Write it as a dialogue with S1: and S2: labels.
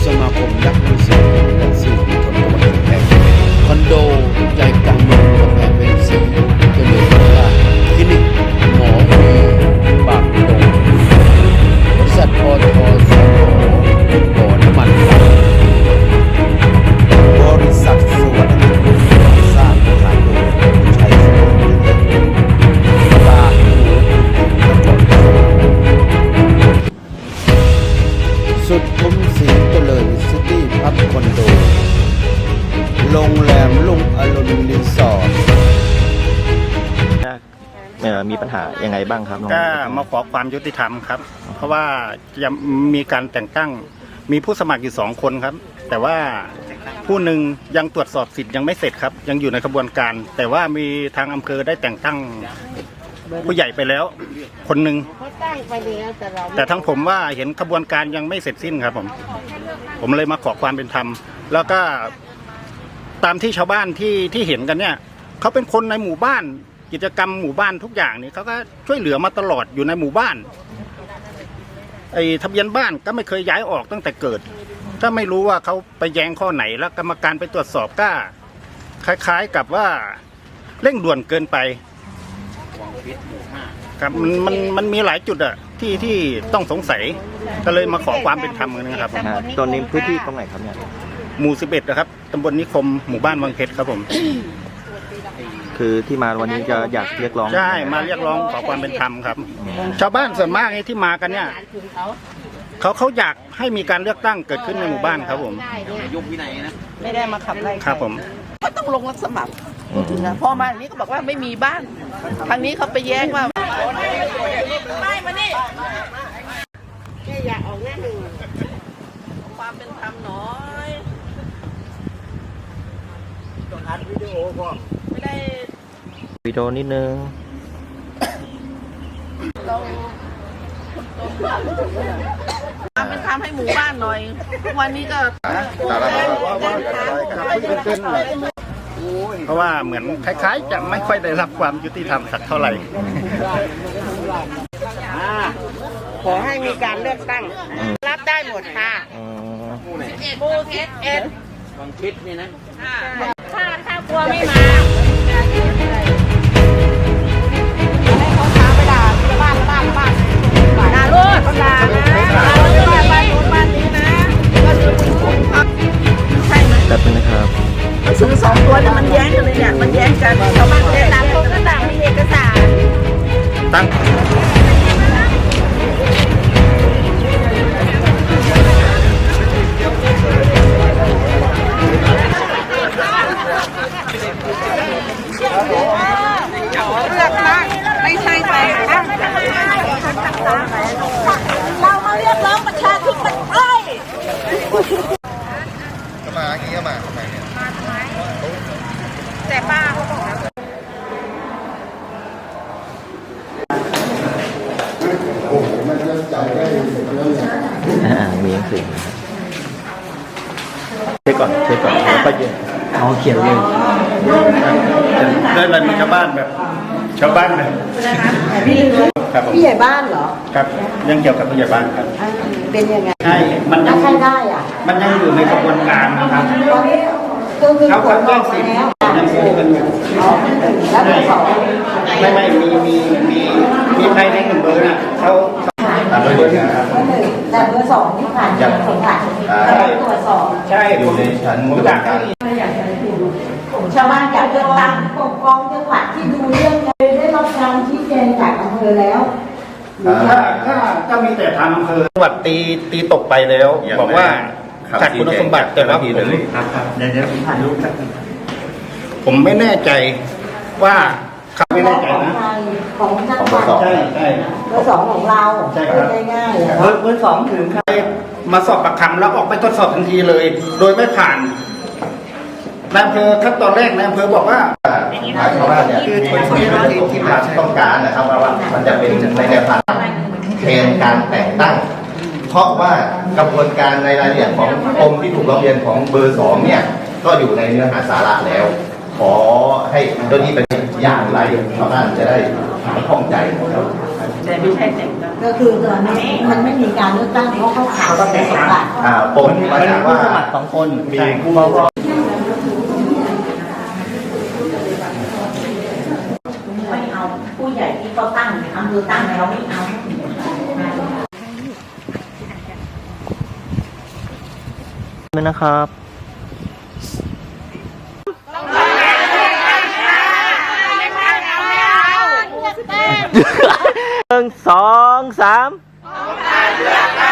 S1: สมาคมนักวิชาการและสื่อมวลชนจังหวัดกำแพงคอนโดใจกลางเมืองกำแพงเพชร4เจริญราษฎร์คลินิกหมอวีปากดงบริษัทปตท.สผ.บ่อน้ำมันบริษัทสวัสดิ์สร้างสถานโดยผู้ชัยสมบูรณ์บางหมูนครสุดคุ้มศรีเจริญซิตี้พับคอนโดโรงแรมลุงอรุณรีสอร์ท
S2: มีปัญหายังไงบ้างครับ
S3: ก็มาขอความยุติธรรมครับเพราะว่ายังมีการแต่งตั้งมีผู้สมัครอยู่2 คนครับแต่ว่าผู้หนึ่งยังตรวจสอบสิทธิ์ยังไม่เสร็จครับยังอยู่ในกระบวนการแต่ว่ามีทางอำเภอได้แต่งตั้งผู้ใหญ่ไปแล้วคนหนึ่งแต่ทั้งผมว่าเห็นกระบวนการยังไม่เสร็จสิ้นครับผมเลยมาขอความเป็นธรรมแล้วก็ตามที่ชาวบ้านที่เห็นกันเนี่ยเขาเป็นคนในหมู่บ้านกิจกรรมหมู่บ้านทุกอย่างนี่เขาก็ช่วยเหลือมาตลอดอยู่ในหมู่บ้านไอ้ทะเบียนบ้านก็ไม่เคยย้ายออกตั้งแต่เกิดก็ไม่รู้ว่าเขาไปแย้งข้อไหนแล้วกรรมการไปตรวจสอบก็คล้ายๆกับว่าเร่งด่วนเกินไปครับมันมีหลายจุดอะที่ต้องสงสัยก็เลยมาขอความเป็นธรรมกันนะครับ
S2: ตอนนี้พื้นที่ตรงไหนครับเนี่ย
S3: หมู่11นะครับตำบลนิคมหมู่บ้านวังเพชรครับผม
S2: คือที่มาวันนี้จะอยากเรียกร้อง
S3: ใช่มาเรียกร้องขอความเป็นธรรมครับชาวบ้านส่วนมากที่มากันเนี่ยเขาอยากให้มีการเลือกตั้งเกิดขึ้นในหมู่บ้านครับผม
S4: ยุควินัยนะไม่ได้มาขับไล่
S3: ครับผม
S4: ก็ต้องลงรับสมัครพูดถึงนะพอมาอย่างนี้ก็บอกว่าไม่มีบ้านทางนี้เขาไปแย้งว่าไม่มานี่อยากออกหน้าหนึ่งความเป็นธรรมน้อยต้องอัดวิดีโอก่อนไม่ได้
S2: วิดีโอนิดนึง
S4: เราเป็นทำให้หมู่บ้านหน่อยวันนี้ก็
S3: เพราะว่าเหมือนคล้ายๆจะไม่ค่อยได้รับความยุติธรรมสักเท่าไหร่
S4: ขอให้มีการเลือกตั้งรับได้หมดค่ะบูเอสบางคิดนี่นะถ้ากลัวไม่มาให้เขาท้าไปด่าที่บ้านด่าลูกด่านะด่าบ้านนู้นบ้านนี้นะก็คือใช่ไหม
S2: แบบนี้นะครับ
S4: ซื้อ2 ตัวเนี่ยมันแย้งกันเลยเนี่ยมันแย้งกันชาวบ้านต่างคนก็ต่างมีเอกสาร
S3: ตั้ง
S4: เลือกตั้งไม่ใช่แต่งตั้งเรามาเรียกร้องประชาธิปไตย
S1: มาอย่างนี้ก็มาทำไมเนี่ย
S4: แต่ป้าเขาบอกนะ
S1: โอ้โหมันจะจ่ายได้เรื่อง
S2: มีหนังสือเช็คก่อนแล้วก็ยืนเขียนเลย
S3: ได้อะไรมีชาวบ้านแบบครับ
S4: พี่ใหญ่บ้านเหรอ
S3: ครับยังเกี่ยวกับผู้ใหญ่บ้านครับ
S4: เป็นยังไง
S3: ใช่มันยัง
S4: ใครได้อ่ะ
S3: มันยังอยู่ในกระบวนการนะครับ
S4: ตอนนี้เขา
S3: แจ้งสิทธิ์ยังสู้กันอยู่
S4: แล้วเบอร์2
S3: ไม่มีใครใน1 เบอร์นะเขา
S4: ตามเบอร์1ครับแต่เบอร์2ที่ผ่านสงสัยตรวจสอบ
S3: ใช่
S1: อยู่ในชั้น
S3: ผมอยากให้
S4: ชาวบ้านอยากเลือกตั้งปกครองจังหวัดที่ดูเรื่องได้รับการชี้แจงจากอำเภอแล้ว
S3: ก็มีแต่ทางอำเภอจังหวัดตีตกไปแล้วบอกว่าขาดคุณสมบัติแต่ว่าผมไม่แน่ใจว่าเขาไม่แน่ใจนะ
S4: ของจังหวัด
S3: ใช่
S4: เบอร์2ของเรา
S3: ใช่ครับ
S4: ง่าย
S3: ๆเบอร์2ถึงใครมาสอบปากคำแล้วออกไปทดสอบทันทีเลยโดยไม่ผ่านนายอำเภอขั้นตอนแรกนายอำเภอบอกว่า
S1: ชาวบ้านเนี่ยคือที่มาต้องการนะครับว่ามันจะเป็นในแนวทางเกณฑ์การแต่งตั้งเพราะว่ากระบวนการในรายละเอียดของกรมที่ถูกร้องเรียนของเบอร์2เนี่ยก็อยู่ในเนื้อหาสาระแล้วขอให้ตัวนี้เป็นอย่างไรชาวบ้านจะได้ข้องใจ
S4: แต่ไม่ใช่แต่งตั้ง
S5: ก็คือตอนนี้มันไม่มีการเลือกตั้งเพราะเขาขาดประสบการณ์
S1: ปมมาจากว่าสองคนมีผู้เข้ารอบ
S5: ไม่เอาผู้ใหญ่ที่เขาตั้งอำเภอตั้งเราไม่เอา
S2: นะครับ1 2 3